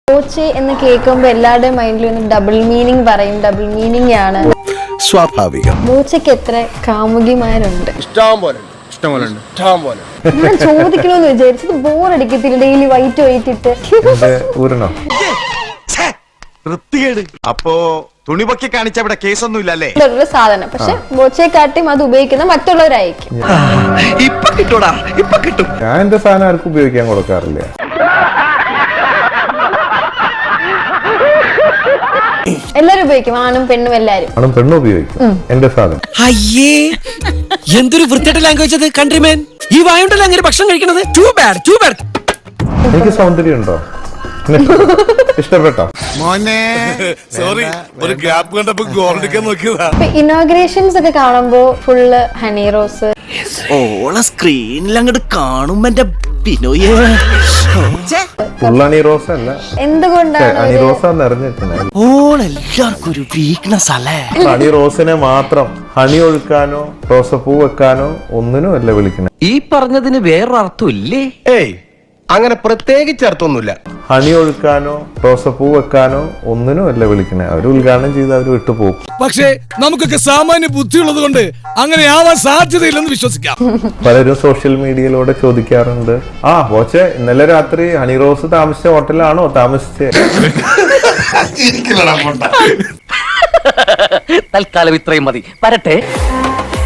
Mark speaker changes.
Speaker 1: ബോച്ചെ എന്ന് കേൾക്കുമ്പോൾ എല്ലാവരുടെയും മൈൻഡിലും ഡബിൾ മീനിങ് പറയും, ഡബിൾ മീനിങ് ആണ്.
Speaker 2: സ്വാഭാവികം.
Speaker 1: ബോച്ചയ്ക്ക് എത്ര കാമുകിമാരുണ്ട്? ഞാൻ ചോദിക്കണമെന്ന് വിചാരിച്ചത് ബോറടിക്കത്തില്ല ഡെയിലി വൈറ്റ് ഇട്ട്
Speaker 2: അപ്പോ തുണിപൊക്കി കാണിച്ച ഇവിടെ കേസൊന്നും ഇല്ലല്ലേ?
Speaker 1: ഒരു സാധനം. പക്ഷെ ബോച്ചയെക്കാട്ടിയും അത് ഉപയോഗിക്കുന്ന മറ്റുള്ളവരായിരിക്കും.
Speaker 2: ഇപ്പൊ കിട്ടൂടാ, ഇപ്പൊ കിട്ടും.
Speaker 3: ഞാൻ എന്റെ സാധനം ആർക്കും ഉപയോഗിക്കാൻ കൊടുക്കാറില്ല.
Speaker 1: എല്ലാരും ഉപയോഗിക്കും, ആണും പെണ്ണും എല്ലാരും.
Speaker 3: ആണും പെണ്ണും ഉപയോഗിക്കും എന്റെ സാധനം.
Speaker 4: അയ്യേ, എന്തൊരു വൃത്തിയായിട്ട് ലാംഗ്വേജ് അത്. കൺട്രിമാൻ, ഈ വായുണ്ടല്ലോ അങ്ങനെ ഭക്ഷണം കഴിക്കണത്. Too bad, too bad.
Speaker 3: എനിക്ക് സൗന്ദര്യം ഉണ്ടോ? ഇഷ്ടപ്പെട്ടോ?
Speaker 2: മോനെ സോറി, ഒരു ഗ്യാപ്പ് കണ്ടപ്പോ ഗോൾഡിക്കാൻ നോക്കിയതാ.
Speaker 1: ഇനോഗ്രേഷൻസ് ഒക്കെ കാണുമ്പോ ഫുള്ള് ഹണി റോസ്.
Speaker 4: ഓളെ സ്ക്രീനിൽ അങ്ങോട്ട് കാണുമ്പോ എന്റെ ബിനോയേ,
Speaker 3: ഫുൾ ഹണി റോസ് അല്ല,
Speaker 1: എന്തുകൊണ്ടാണ്
Speaker 3: ഹണി റോസാ നിറഞ്ഞിരിക്കുന്നത്.
Speaker 4: ഓളെല്ലാവർക്കും ഒരു വീക്ക്നെസ് അല്ലേ.
Speaker 3: ഹണി റോസിനെ മാത്രം ഹണി ഒഴുക്കാനോ റോസപ്പൂ വെക്കാനോ ഒന്നിനും അല്ല വിളിക്കണേ.
Speaker 5: ഈ പറഞ്ഞതിന് വേറൊരർത്ഥം ഇല്ലേ?
Speaker 6: ഏയ്, അങ്ങനെ പ്രത്യേകിച്ച് അർത്ഥമൊന്നുമില്ല.
Speaker 3: ഹണി ഒഴുക്കാനോ റോസപ്പൂ വെക്കാനോ ഒന്നിനും അല്ല വിളിക്കണേ. അവർ ഉദ്ഘാടനം ചെയ്ത് അവർ വിട്ടുപോകും.
Speaker 4: പക്ഷേ നമുക്കൊക്കെ സാമാന്യ ബുദ്ധിയുള്ളത് കൊണ്ട് അങ്ങനെ ആവാൻ സാധ്യതയില്ലെന്ന് വിശ്വസിക്കാം.
Speaker 3: പലരും സോഷ്യൽ മീഡിയയിലൂടെ ചോദിക്കാറുണ്ട്, ആ ബോച്ചെ ഇന്നലെ രാത്രി ഹണി റോസ് താമസിച്ച ഹോട്ടലാണോ താമസിച്ചേ?
Speaker 5: തൽക്കാലം ഇത്രയും മതി. വരട്ടെ.